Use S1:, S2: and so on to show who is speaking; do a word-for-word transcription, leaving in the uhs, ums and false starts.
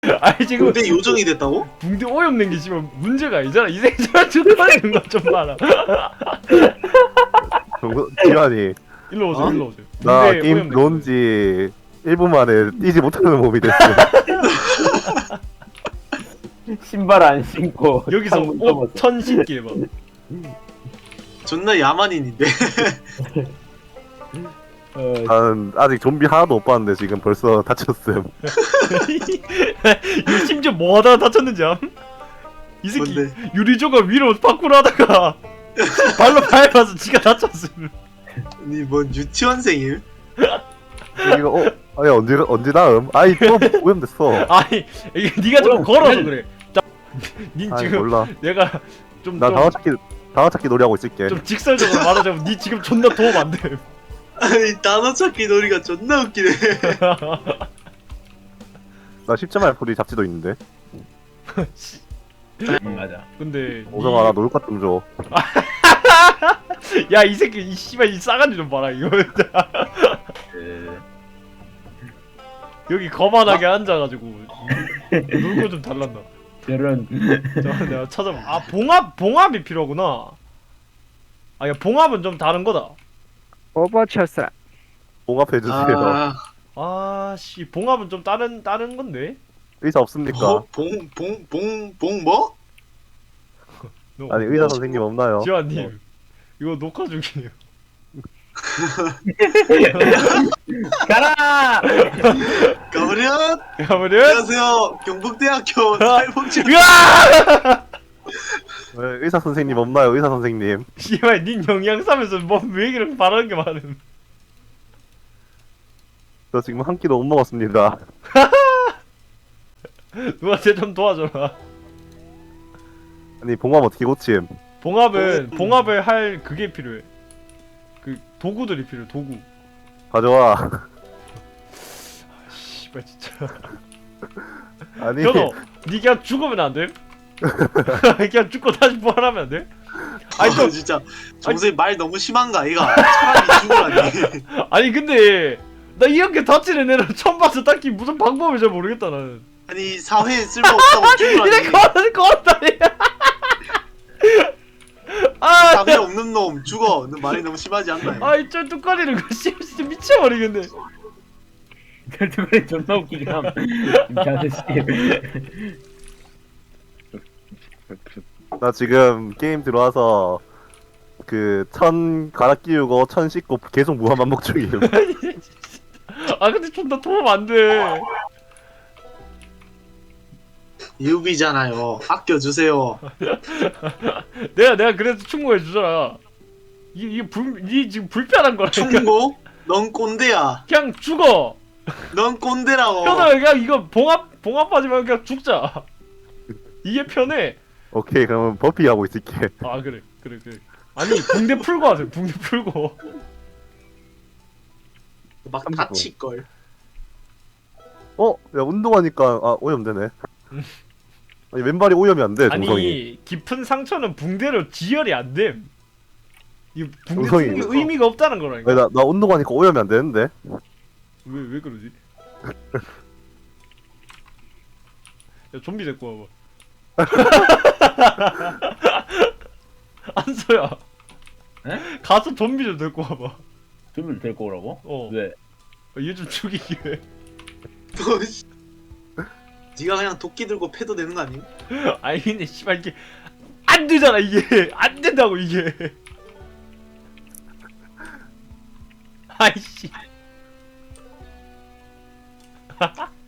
S1: 아니 지금
S2: 붕대 요정이 됐다고?
S1: 붕대 오염된 게 지금 문제가 아니잖아. 이 생존 죽어내는 거 좀 봐라.
S3: 정도 기환이
S1: 일로 오세요,
S2: 어?
S1: 일로 오세요.
S3: 나
S1: 붕대
S3: 게임
S1: 오염된 거.
S3: 들어온지 일 분 만에 뛰지 못하는 몸이 됐어.
S4: 신발 안 신고
S1: 여기서
S4: 창문
S1: 옷
S4: 접어서.
S1: 천 신기 해봐.
S2: 존나 야만인인데.
S4: 어,
S3: 나는 아직 좀비 하나도 못 봤는데 지금 벌써 다쳤음.
S1: 이거 심지어 뭐 하다가 다쳤는지 암? 이 새끼
S2: 뭔데?
S1: 유리조각 위로 파쿠르 하다가 발로 밟아서 지가 다쳤음.
S2: 아니 뭔 유치원생임?
S3: 이거 어? 아니 언제 언제 다음? 아이 또 오염됐어.
S1: 아니 이게 네가 좀
S4: 오염,
S1: 걸어서 그래. 자, 닌
S3: 아니
S1: 지금
S3: 몰라.
S1: 내가 좀
S3: 나
S1: 좀,
S3: 다음 찾기 다음 찾기 놀이하고 있을게.
S1: 좀 직설적으로 말하자면 니 지금 존나 도움 안 돼.
S2: 아니 단어 찾기 놀이가 존나 웃기네.
S3: 나 십 점 알풀이 잡지도 있는데.
S4: 음, 맞아.
S1: 근데
S3: 오성아 나 놀 것 좀 줘.
S1: 야 이 새끼 이 씨발 이 싸가지 좀 봐라 이거.
S4: 그...
S1: 여기 거만하게 앉아가지고 놀고 좀 달란다.
S4: 저런
S1: 자, 내가 찾아봐. 아 봉합 봉합이 필요하구나. 아야 봉합은 좀 다른 거다.
S5: 오버쳤어.
S3: 봉합해 주세요.
S2: 아,
S1: 아씨 봉합은 좀 다른 다른 건데.
S3: 의사 없습니까?
S2: 뭐? 봉봉봉봉 뭐?
S1: 너,
S3: 아니 의사 선생님 없나요?
S1: 지환님 이거 녹화 중이에요.
S4: 가라.
S2: 가버려.
S1: 가버려.
S2: 안녕하세요. 경북대학교 사회복지.
S1: 으아!
S3: 네, 의사 선생님 없나요? 의사 선생님.
S1: 씨발 닌 영양사면서 뭐왜 이렇게 말하는 게 많음.
S3: 저 지금 한 끼도 못 먹었습니다.
S1: 누가 쟤 좀 도와줘라.
S3: 아니 봉합 어떻게 고침?
S1: 봉합은 봉합을 할 그게 필요해. 그 도구들이 필요해. 도구.
S3: 가져와.
S1: 씨발 진짜.
S3: 아니
S1: 현호, 니 그냥 죽으면 안 돼? 그냥 죽고 다시 부활하면 안 돼? 아니
S2: 아니
S1: 또
S2: 진짜 정선이 말 너무 심한가 아이가. 차라리 죽으라니.
S1: 아니 근데 나 이렇게 다치는 애를 처음 봐서 딱히 무슨 방법을 잘 모르겠다 나는.
S2: 아니 사회에 쓸모없다고 죽으라니.
S1: 이래 걸어 걸었다니. 아,
S2: 사회 없는 놈 죽어. 너 말이 너무 심하지 않나요?
S1: 아이 쩔뚝거리는 거 씨, 진짜 미쳐버리겠네.
S4: 그래 존나 웃기긴 함. 이 아저씨.
S3: 나 지금 게임 들어와서 그 천 갈아 끼우고 천 씻고 계속 무한 반복 중이에요.
S1: 아 근데 존나 도움 안 돼.
S2: 유비잖아요. 아껴주세요.
S1: 내가 내가 그래도 충고해 주잖아. 이게 이게 불, 이 지금 불편한 거라니까.
S2: 충고? 넌 꼰대야.
S1: 그냥 죽어.
S2: 넌 꼰대라고.
S1: 현아 그냥 이거 봉합 봉합하지 말고 그냥 죽자. 이게 편해.
S3: 오케이 그러면 버피 하고 있을게.
S1: 아 그래 그래 그래. 아니 붕대 풀고 하세요. 붕대 풀고.
S2: 막 다칠 걸.
S3: 어? 야 운동하니까 아 오염되네. 아니 왼발이 오염이 안 돼. 정성이.
S1: 아니 깊은 상처는 붕대로 지혈이 안 됨. 이 붕대
S3: 정성이
S1: 쓰는 게
S3: 있어.
S1: 의미가 없다는 거라니까.
S3: 아니, 나, 나 운동하니까 오염이 안 되는데.
S1: 왜 왜 그러지? 야 좀비 데리고 와봐. 안서야.
S4: 에?
S1: 가서 좀비 좀 데리고 와봐.
S4: 좀비를 데리고 오라고?
S1: 어.
S4: 왜?
S1: 얘 좀 죽이기 위해.
S2: 너 씨. 네가 그냥 도끼 들고 패도 되는 거 아니?
S1: 아니 근데 씨발 이게 안 되잖아 이게 안 된다고 이게. 아이씨.